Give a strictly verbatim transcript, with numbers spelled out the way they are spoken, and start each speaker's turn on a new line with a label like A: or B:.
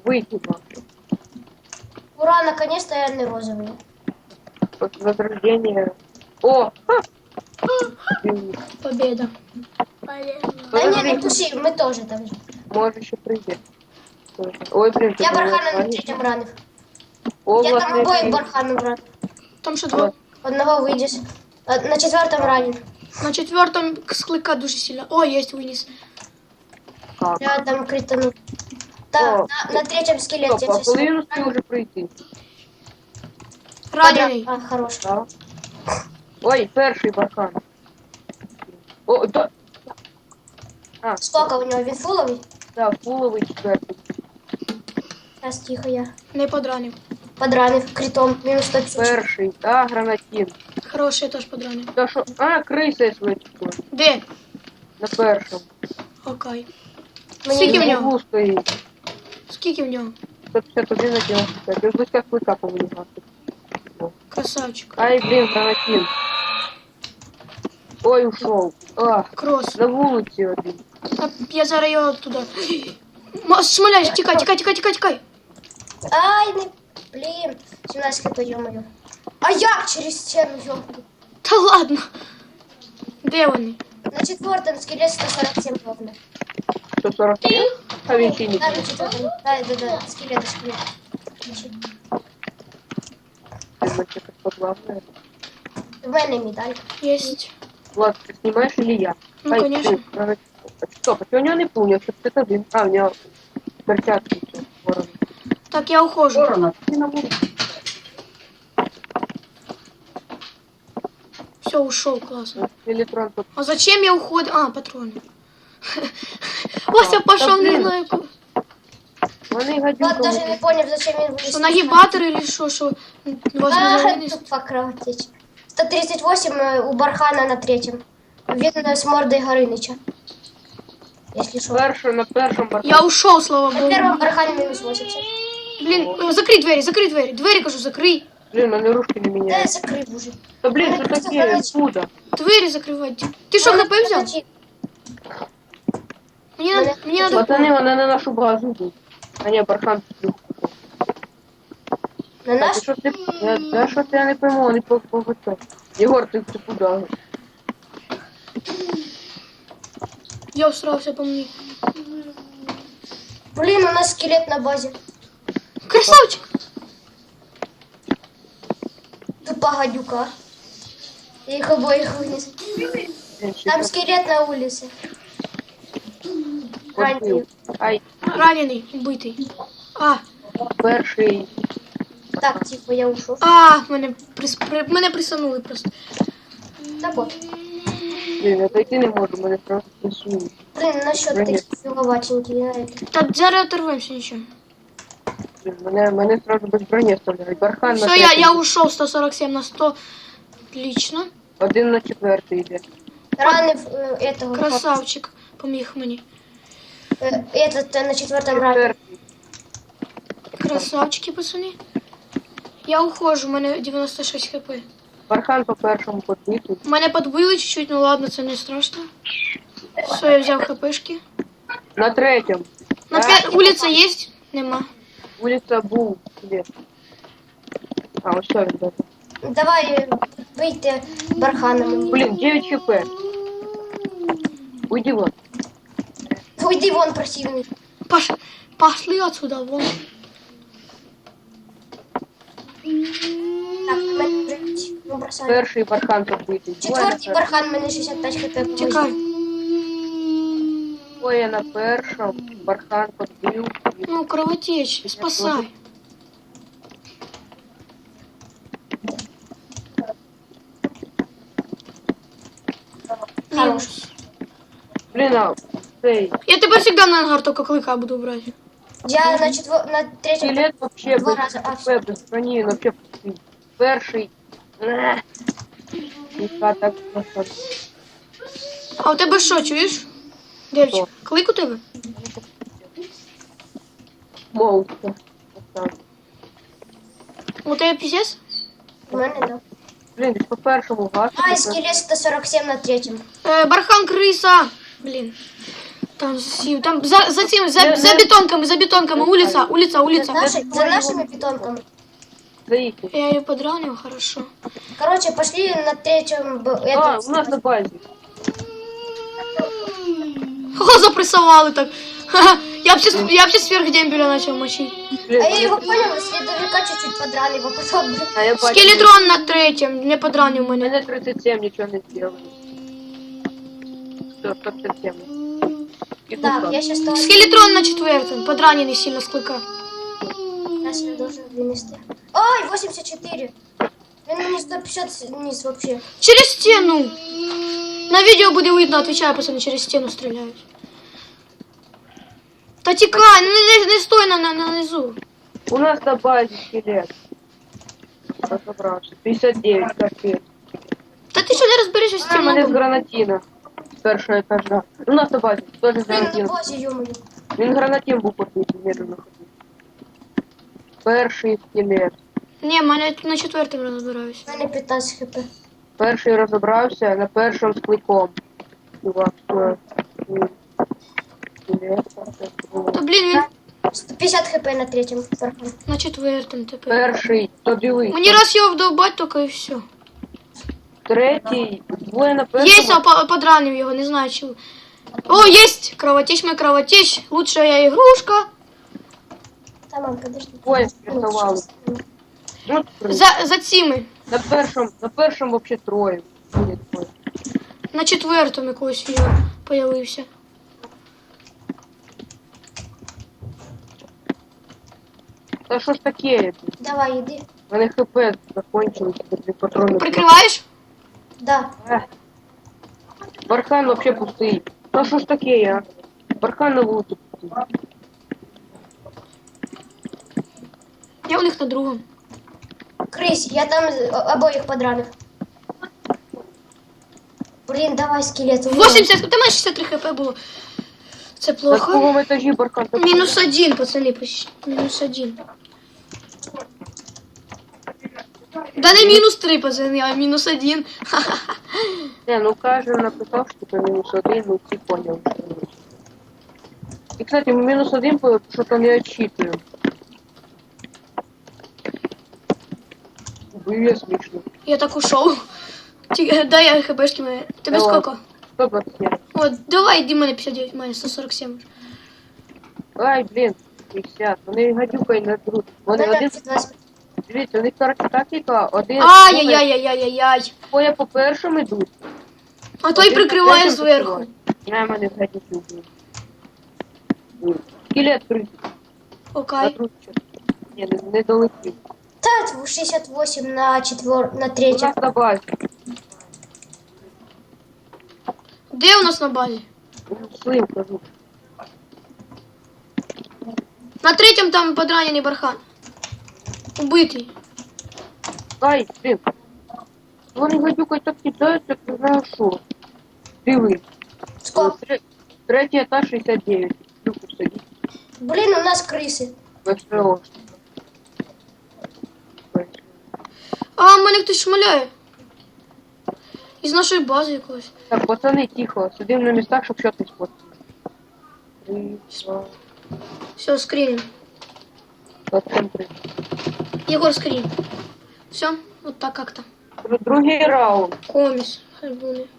A: Выйти.
B: Ура, наконец-то я не розовый.
A: Возрождение. О! Ха!
C: Победа.
B: Да не, не туши, мы тоже там же.
A: Может еще прийти. Ой, блин,
B: Я
A: ты
B: бархана на
A: понимаешь,
B: третьем ранив.
A: О,
B: Я там
A: власне,
B: обоих
A: блин.
B: барханом ранив.
C: Там що два?
B: Одного выйдешь. А, На четвертом ранен.
C: На четвертом склика дуже сильно. О, есть вынес.
A: Как?
B: Я там критану. Так,
A: О,
B: на, на третьем скелете.
A: Стоп, а коли він успів уже прийти?
C: Раненый.
B: А, хорош.
A: Да. Ой, перший бархан. О, да. А,
B: Сколько у него? Він фуловий?
A: да, фуловий четвертий.
B: Сейчас, тихо, я.
C: Не подранив.
B: Подранив критом. Минус сто пятьдесят.
A: Перший, а, гранатін.
C: Хороший, я теж подранив.
A: Та що? А, криса швидко.
C: Де?
A: На першому.
C: Окей.
B: Мені
C: Скільки в
B: не-
C: нього?
A: Углу стоїть.
C: Скільки в нього?
A: сто п'ятдесят один на девяносто пять. Я близько клика повинен гасити.
C: Красавчик.
A: Ай, блін, гранатін. Ой, ушов. А,
C: Крос.
A: на вулиці один.
C: Та я зараз його туди. Ма- Смоляєш, тікай, тікай, тікай, тікай, тікай.
B: Ай, не... Блин. семнадцать хп, ё-моё. А як через стену, ё
C: Та ладно. Де вони?
B: На четвертом скелет сто сорок семь ровно.
A: сто сорок семь? А він ще не.
B: Да, на четвертом. Да, да, да. Скелет, скелет. Значит,
A: Ти значить якось подлавне.
B: в мене медаль.
C: Єсть.
A: Влад, ты снимаешь или я?
C: Ну,
A: Ай,
C: конечно.
A: ты, правда, Стоп, а у него не помню, что это один. А, у него перчатки. всё, ворон.
C: Так, я ухожу.
A: Ворона, ты на улице.
C: Все, ушел, классно.
A: Электрон тут.
C: А зачем я уходил? А, патроны. Вася пошел,
A: да
C: не
A: блин.
C: знаю. куда.
A: Вони
B: Влад
A: гадюка.
B: даже не понял, зачем я вылез.
C: Что, нагибатор или что? Что возможно
B: А,
C: вынести?
B: тупо кровотечь. сто тридцать восемь э, у Бархана на третьем. Видно с мордой Горыныча. Если что.
A: Першу, на першому барку.
C: Я ушел, слава
B: На
C: богу.
B: первом Бархане минус восемьдесят.
C: Блин, э, закрой двери, закрой двери. Двери, кажу, закрой.
A: Блин, они ружки не
B: Да,
A: меняют.
B: закрой уже.
A: Да блин,
B: Ой,
A: что
B: просто
A: такие?
B: короче.
A: Откуда?
C: Двери закрывать. Ты что, хп взял? Мне надо, мне надо...
A: Пацаны, вони на нашу базу йдуть. А не, бархан тут.
B: На
A: Так,
B: наш?
A: і що ти? Я, да, що ти, я не пойму, вони по по по це. Єгор, ти, ти куди?
C: Я усрался по мне.
B: Блин, у нас скелет на базе.
C: Красавчик!
B: Тупа гадюка. Я их обоих вынес.
A: Блін, ще
B: Там
A: трохи
B: скелет на улице. Раненый.
A: подбив. Ай,
C: Раненый, убитый. А,
A: перший.
B: Так, типа, я ушел.
C: а, мене, прис... при... мене присанули просто.
B: Да вот.
A: Блін, я дойти не можу, мене просто присують.
B: Блин, насчет
A: Броня.
B: таких фиговатеньких, я это.
C: Так, зараз оторвемся, ничего.
A: Блін, мене, мене сразу без броні оставляють. Бархан на
C: Все, я,
A: третій.
C: я ушел сто сорок семь на сто. Отлично.
A: Один на четвертий йде.
B: Ранив э, этого.
C: Красавчик. Поміг мені.
B: Э, этот э, на четвертом ране.
A: Четвертий.
C: Красавчики, пацани. Я ухожу, у мене дев'яносто шість хп.
A: Бархан по першому подбитий.
C: Мене подбили чуть-чуть, ну ладно, це не страшно. Все, я взяв хпшки.
A: На третьому.
C: На
A: Да.
C: п'ять вулиця є? Нема.
A: Вулиця був. Де? А, ось що він даже.
B: Давай э, выйти барханом.
A: Блін, дев'ять хп. Уйди вон.
B: Уйди вон, противный.
C: Паш... Пошли отсюда, вон.
B: Так, мене вже ну, бросаю.
A: Перший бархан подбитий.
B: Четвертий бархан, мене шістдесят п'ять хп.
C: Тікай.
A: Ой, на першому. Бархан подбив.
C: Ну, кровотечь, спасай.
B: Хорош.
A: Блін, а цей
C: Я тебе всегда на ангар только клыка буду брать.
B: Я на четвер... на третьем...
A: скелет вообще
B: Два
A: без
B: раза. А,
A: хп, без броні, він вообще пустий. Перший. Ех. Ніка так просто.
C: А у тебе що, чуєш? Девчик,
A: Що?
C: клик у тебе?
A: Молча.
C: У тебе пісець?
B: У мене, да.
A: Блін, десь по першому гасу.
B: Ай, скелет сто сорок семь на третьем.
C: Е, бархан криса. Блін. Там сів, там за, за цим, за,
A: Не-
C: за
A: не-
C: бетонками, за бетонками, улица, улица,
B: За,
C: улица.
B: наши- за нашими питонками.
A: За їхнім.
C: Я ее подранил, хорошо.
B: Короче, пошли на третьем... б-
A: А,
B: этот-
A: у нас на базі.
C: О, запрессовали так. Ха-ха. Я вообще, с- я вообще сверх дембеля начал мочить.
A: Блін,
B: А я его понял, следовика чуть-чуть подранил, а потом...
A: а я бачу,
C: Скелетрон на третьем, не подранил
A: У
C: мене.
A: мене тридцять сім, нічого не зробили. Все, сто п'ятдесят сім. І
B: Так,
A: тут
B: я сейчас тоже...
C: Скелетрон на четвертом, подраненный сильно с клыка.
B: Я себя должен вынести. Ой, восемьдесят четыре. Він мені сто пятьдесят вниз вообще.
C: Через стену. На видео буде видно, отвечаю, пацаны, через стену стреляют. Та тікай, ну не, не, не стой на, на, на низу.
A: У нас на базі скелет. Розібрався. п'ятдесят дев'ять, капець.
C: Та ти що не розберешся з
A: А,
C: цим
A: мене з
C: мобом?
A: гранатіна. З першого етажа. У нас на базі, теж з
B: Блин, на
A: гранатіна.
B: базе, ё-моё.
A: Він гранатін був побитий, медленно ходив. Перший скелет.
C: Ні, мене на четвертому розбираюсь.
B: У мене пятнадцать хп.
A: Перший розібрався на першому з кликом. Чувак, що? Скелет, так,
C: Та блін, він
B: сто пятьдесят хп на третьем. Бархан.
C: на четвертому тепер.
A: Перший, то дивись.
C: Мені раз його вдовбать, тільки і все.
A: Третій, двоє на
C: Есть,
A: першому.
C: а по- подранил его, не знаю чего. О, есть! Кровотечь мой кровотечь. Лучшая игрушка.
B: Та, мам, подожди.
A: Двоє рятували. Ну, три.
C: За, за цими.
A: На першому, на першому вообще троє. Ні, двоє.
C: На четвертому якогось його появився.
A: Та що ж таке?
B: Давай, иди.
A: У мене хп закончилось, дві патрони.
C: Прикриваєш?
B: Да.
A: Ех. Бархан вообще пустий. Та що ж таке, я? Бархан на вулиці пустий.
C: Я у них на другому.
B: Крысь, я там э, обоих подранил. Блин, давай, скелет. у меня.
C: вісімдесят, ти маєш шістдесят три хп було. Це
A: На
C: плохо.
A: другому етажі Бархан так.
C: Мінус один, пацани, почти. Мінус один. Да не мінус три, пацани, а мінус один.
A: Не, ну каже написав, що це мінус один, ну всі поняли, що мінус. І, кстати, мінус один, що-то не отчитую. Було смішно.
C: Я так ушов. Ті- Дай я хпшки мої. Тебе
A: Давай.
C: сколько?
A: сто двадцять сім.
C: О, давай, йди мене п'ятдесят дев'ять, мене сто сорок сім.
A: Ай, блін, п'ятдесят. Вони гадюкою не друг. Вони
B: Мене
A: один,
B: двадцать.
A: дивіться, у них коротше тактика, один
C: Ай-яй-яй-яй-яй-яй.
A: двоє по першому йдуть.
C: А той
A: Один по
C: прикриває
A: третьому
C: зверху.
A: прикриває. Я мене гадюки вбив. Скелет крити.
C: Окей.
A: Ні, не, не долетів.
B: Та, шестьдесят восемь на четвер... на
A: У
B: третьем.
A: нас на базі.
C: Де у нас на базі?
A: Слим, кажу.
C: На третьому там подранений бархан. Убитий.
A: Ай, блін. Вони гадюкою так кидають, як не знаю що. Диви.
B: Сколько?
A: Тре- Третій етаж шістдесят дев'ять. Люку сидить.
B: Блин, у нас крысы.
A: ВСО.
C: А, мене хтось шмаляє. Із нашої бази якогось.
A: Так, пацани, тихо. Сидимо на містах, щоб щось не спортити. Три, два,
C: Все, скриним.
A: двадцять три.
C: Егор, скрин. Все, вот так как-то.
A: Другий раунд.
C: Комис. Альбуми.